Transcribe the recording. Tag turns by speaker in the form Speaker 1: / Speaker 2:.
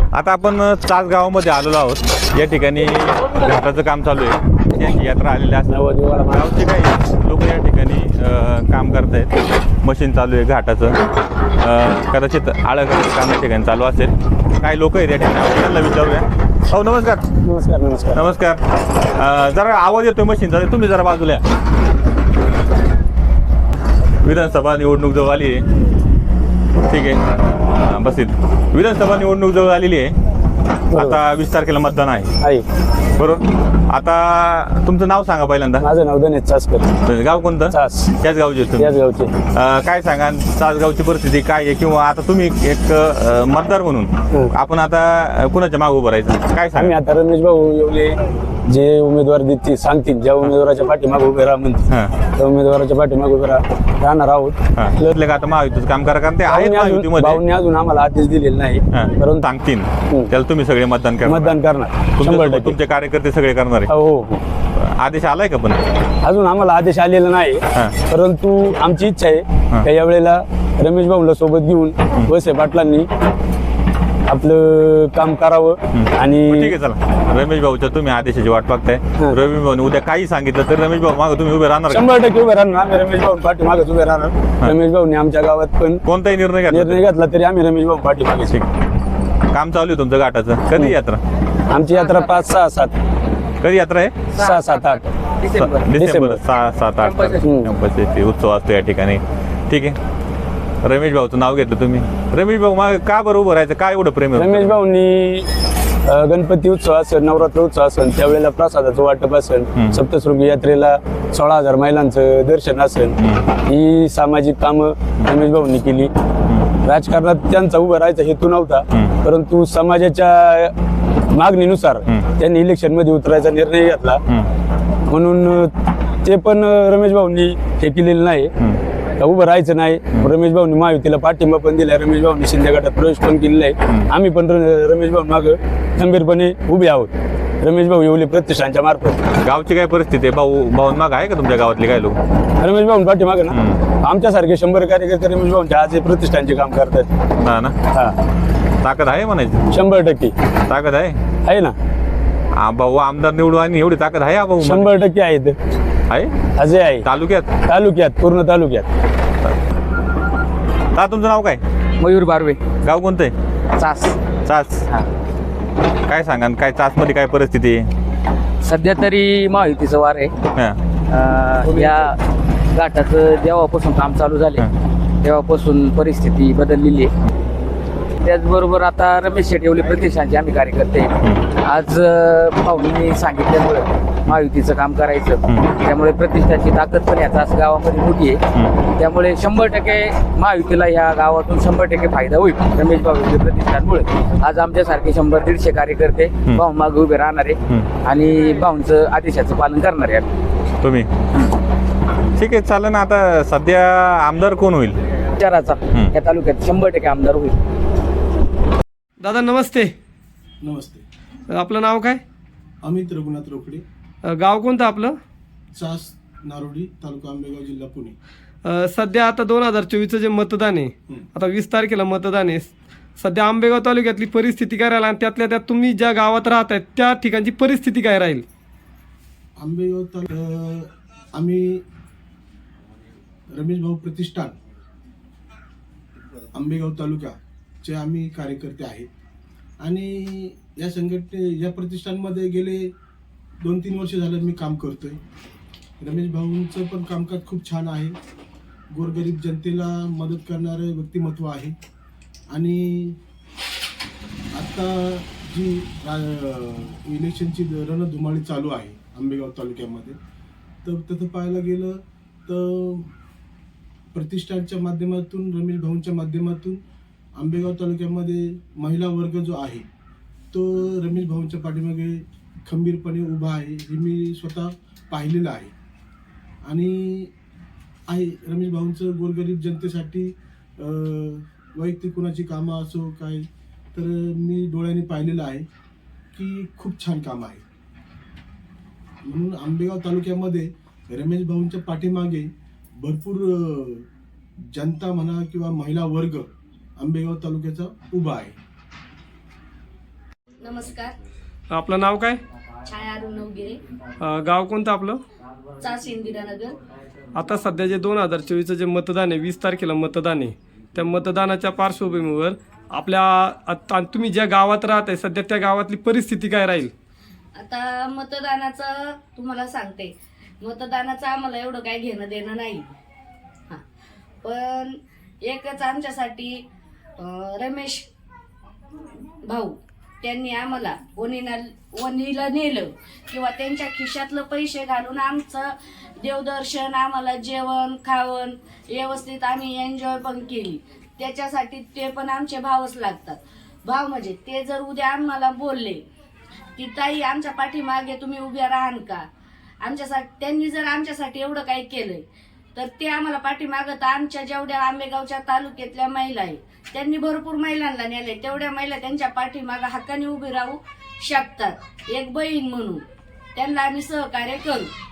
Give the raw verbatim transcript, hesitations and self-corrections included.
Speaker 1: आता आपण चास गावामध्ये आलेलो आहोत। या ठिकाणी घाटाचं काम चालू आहे, यांची यात्रा आलेली असल्यावर गावचे काही लोक या ठिकाणी काम करत आहेत। मशीन चालू आहे घाटाचं, कदाचित आळं करायचं काम या ठिकाणी चालू असेल। काही लोक आहेत या ठिकाणी, त्यांना विचारूया। हो नमस्कार।
Speaker 2: नमस्कार नमस्कार
Speaker 1: नमस्कार। जरा आवाज येतोय मशीनचा, तुम्ही जरा बाजूला या। विधानसभा निवडणूक जवळ आली आहे, ठीक आहे बस इथं। विधानसभा निवडणूक जवळ आलेली आहे, आता वीस तारखेला मतदान आहे बरोबर। आता तुमचं नाव सांगा पहिल्यांदा।
Speaker 2: माझं नाव गणेश चासकर।
Speaker 1: गाव कोणतं?
Speaker 2: चास।
Speaker 1: त्याच गावचे तुम्ही?
Speaker 2: त्याच गावचे।
Speaker 1: काय सांगा चासगावची परिस्थिती काय आहे, किंवा आता तुम्ही एक मतदार म्हणून आपण आता कुणाच्या मागे उभं राहायचं काय सांगा?
Speaker 2: आम्ही आता रमेश भाऊ येवले जे उमेदवार देतील सांगतील, ज्या उमेदवाराच्या पाठीमागे उभे राहा म्हणतील त्या उमेदवाराच्या पाठीमागे उभे राहणार आहोत।
Speaker 1: का आता महायुतीचं काम करा, कारण ते आहेत महायुतीमध्ये।
Speaker 2: भाऊंनी अजून आम्हाला आदेश दिलेला नाही,
Speaker 1: परंतु सांगतील त्याला तुम्ही सगळे मतदान करा।
Speaker 2: मतदान करणार शंभर टक्के,
Speaker 1: तुमचे कार्यकर्ते सगळे करणार आहे।
Speaker 2: हो हो।
Speaker 1: आदेश आलाय का? पण
Speaker 2: अजून आम्हाला आदेश आलेला नाही, परंतु आमची इच्छा आहे की यावेळेला रमेश भाऊला सोबत घेऊन वळसे पाटलांनी आपलं काम करावं। आणि
Speaker 1: ठीक आहे चला, रमेश भाऊच्या तुम्ही आदेशाची वाट बघताय। रमेश भाऊ उद्या काही सांगितलं तर रमेश भाऊ मागे तुम्ही उभे राहणार?
Speaker 2: शंभर टक्के उभे राहणार आम्ही, रमेश भाऊ पाठीमागेच उभे राहणार। रमेश भाऊनी आमच्या गावात पण
Speaker 1: कोणताही निर्णय घेतला
Speaker 2: निर्णय घेतला तरी आम्ही रमेश भाऊ पाठीमागे।
Speaker 1: काम चालू आहे तुमचं घाटाचं? कधी यात्रा?
Speaker 2: आमची यात्रा पाच सहा सात।
Speaker 1: कधी यात्रा आहे?
Speaker 2: सहा सात आठ
Speaker 1: डिसेंबर सहा सात आठ गणपतीचे उत्सव असतो या ठिकाणी, ठीक आहे। रमेश भाऊचं नाव घेतलं तुम्ही, रमेश भाऊ मग का बरं उभं राहायचं, काय एवढं प्रेम?
Speaker 2: रमेश भाऊनी गणपती उत्सव असेल, नवरात्र उत्सव असेल, त्यावेळेला प्रसादाचं वाटप असेल, सप्तशृंगी यात्रेला सोळा हजार महिलांचं दर्शन असेल, ही सामाजिक कामं रमेश भाऊंनी केली। राजकारणात त्यांचा उभं राहायचा हेतू नव्हता, परंतु समाजाच्या मागणीनुसार त्यांनी इलेक्शन मध्ये उतरायचा निर्णय घेतला, म्हणून ते पण रमेश भाऊंनी हे केलेलं नाही, उभं राहायचं नाही। रमेश भाऊनी महायुतीला पाठिंबा पण दिलाय, रमेश भाऊनी शिंदे गटात प्रवेश पण केलेला आहे। आम्ही पण रमेश भाऊ मागं खंबीरपणे उभे आहोत, रमेश भाऊ येवले प्रतिष्ठानच्या मार्फत।
Speaker 1: गावची काय परिस्थिती आहे? भाऊ भाऊ माग आहे का तुमच्या गावातले काय लोक?
Speaker 2: रमेश भाऊ पाठीमागे ना आमच्यासारखे शंभर कार्यकर्ते रमेश भाऊंच्या आज प्रतिष्ठानचे काम करतात।
Speaker 1: हा ना, ताकद आहे म्हणायची?
Speaker 2: शंभर टक्के
Speaker 1: ताकद आहे
Speaker 2: आहे ना।
Speaker 1: हा भाऊ आमदार निवडून आणि एवढी ताकद आहे? भाऊ
Speaker 2: शंभर टक्के आहे,
Speaker 1: आहे
Speaker 2: अजय आहे
Speaker 1: तालुक्यात,
Speaker 2: तालुक्यात पूर्ण तालुक्यात।
Speaker 1: का तुमचं नाव काय?
Speaker 3: मयूर बारवे। गाव
Speaker 1: कोणतं आहे?
Speaker 3: चास।
Speaker 1: चास। काय सांगा काय चास मध्ये काय परिस्थिती आहे?
Speaker 3: सध्या तरी महायुतीचं वार आहे। या घाटाचं जेव्हापासून काम चालू झाले तेव्हापासून परिस्थिती बदललेली आहे। त्याचबरोबर आता रमेश शेट येवले प्रतिष्ठानचे आम्ही कार्यकर्ते, आज भाऊंनी सांगितल्यामुळे महायुतीचं काम करायचं, त्यामुळे प्रतिष्ठानची ताकद पण याचा गावामध्ये मोठी आहे। त्यामुळे शंभर टक्के महायुतीला या गावातून शंभर टक्के फायदा होईल रमेश भाऊ येवले प्रतिष्ठानमुळे। आज आमच्यासारखे शंभर दीडशे कार्यकर्ते भाऊ मागे उभे राहणार आहे आणि भाऊंचं आदेशाचं पालन करणार आहे
Speaker 1: तुम्ही, ठीक आहे चालेल ना। आता सध्या आमदार कोण होईल?
Speaker 3: विचाराचा या तालुक्यात शंभर टक्के आमदार होईल।
Speaker 4: दादा नमस्ते।
Speaker 5: नमस्ते।
Speaker 4: आपलं नाव काय?
Speaker 5: अमित रघुनाथ रोकडे।
Speaker 4: गाव कोणतं आपलं?
Speaker 5: चास नारोडी, तालुका आंबेगाव, जिल्हा पुणे।
Speaker 4: सध्या आता दोन हजार चोवीसचं जे मतदान आहे, आता वीस तारखेला मतदान आहे, सध्या आंबेगाव तालुक्यातली परिस्थिती काय राहील आणि त्यातल्या त्यात तुम्ही ज्या गावात राहत आहेत त्या ठिकाणची परिस्थिती काय राहील?
Speaker 5: आंबेगाव तालुका आम्ही रमेश भाऊ प्रतिष्ठान आंबेगाव तालुक्याचे आम्ही कार्यकर्ते आहेत आणि या संघटने या प्रतिष्ठानमध्ये गेले दोन तीन वर्ष झालं मी काम करतोय। रमेश भाऊंचं पण कामकाज खूप छान आहे, गोरगरीब जनतेला मदत करणारे व्यक्तिमत्व आहे आणि आता जी इलेक्शनची रणधुमाळी चालू आहे आंबेगाव तालुक्यामध्ये, तर तसं पाहायला गेलं तर प्रतिष्ठानच्या माध्यमातून रमेश भाऊंच्या माध्यमातून आंबेगाव तालुक्यामध्ये महिला वर्ग जो आहे तो रमेश भाऊंच्या पाठीमागे खंबीरपणे उभा आहे, हे मी स्वतः पाहिलेलं आहे आणि आहे रमेश भाऊंचं गोरगरीब जनतेसाठी वैयक्तिक कुणाची कामं असो काय, तर मी डोळ्यांनी पाहिलेलं आहे की खूप छान काम आहे। म्हणून आंबेगाव तालुक्यामध्ये रमेश भाऊंच्या पाठीमागे भरपूर जनता म्हणा किंवा महिला वर्ग आंबेगाव तालुक्याचा उभा आहे।
Speaker 6: नमस्कार.
Speaker 4: आपलं नाव काय?
Speaker 6: छाया अरुण नवगिरे,
Speaker 4: अं, गाव कोणतं आपलं?
Speaker 6: चास इंदिरानगर.
Speaker 4: आता सध्या जे दोन हजार चोवीसचं जे मतदान आहे, वीस तारखेला मतदान आहे, त्या मतदानाच्या पार्श्वभूमीवर आपल्या आता तुम्ही ज्या गावात राहत आहे सध्या त्या गावातली परिस्थिती काय राहील?
Speaker 6: आता मतदानाचं तुम्हाला सांगते, मतदानाचं आम्हाला एवढं काही घेणं देणं नाही. हां, पण एकच आमच्यासाठी अं, रमेश भाऊ त्यांनी आम्हाला वणीला वणीला नेलं किंवा त्यांच्या खिशातलं पैसे घालून आमचं देवदर्शन, आम्हाला जेवण खावण व्यवस्थित आम्ही एन्जॉय पण केली. त्याच्यासाठी ते पण आमचे भावच लागतात. भाव म्हणजे ते जर उद्या आम्हाला बोलले की ताई आमच्या पाठीमागे तुम्ही उभ्या राहाल का, आमच्यासाठी त्यांनी जर आमच्यासाठी एवढं काही केलंय तर ते आम्हाला पाठीमागं, तर आमच्या जेवढ्या आंबेगावच्या तालुक्यातल्या महिला आहे त्यांनी भरपूर महिलांना नेले, तेवढ्या महिला त्यांच्या पाठीमागं हक्काने उभी राहू शकतात एक बहीण म्हणून. त्यांना आम्ही सहकार्य करू.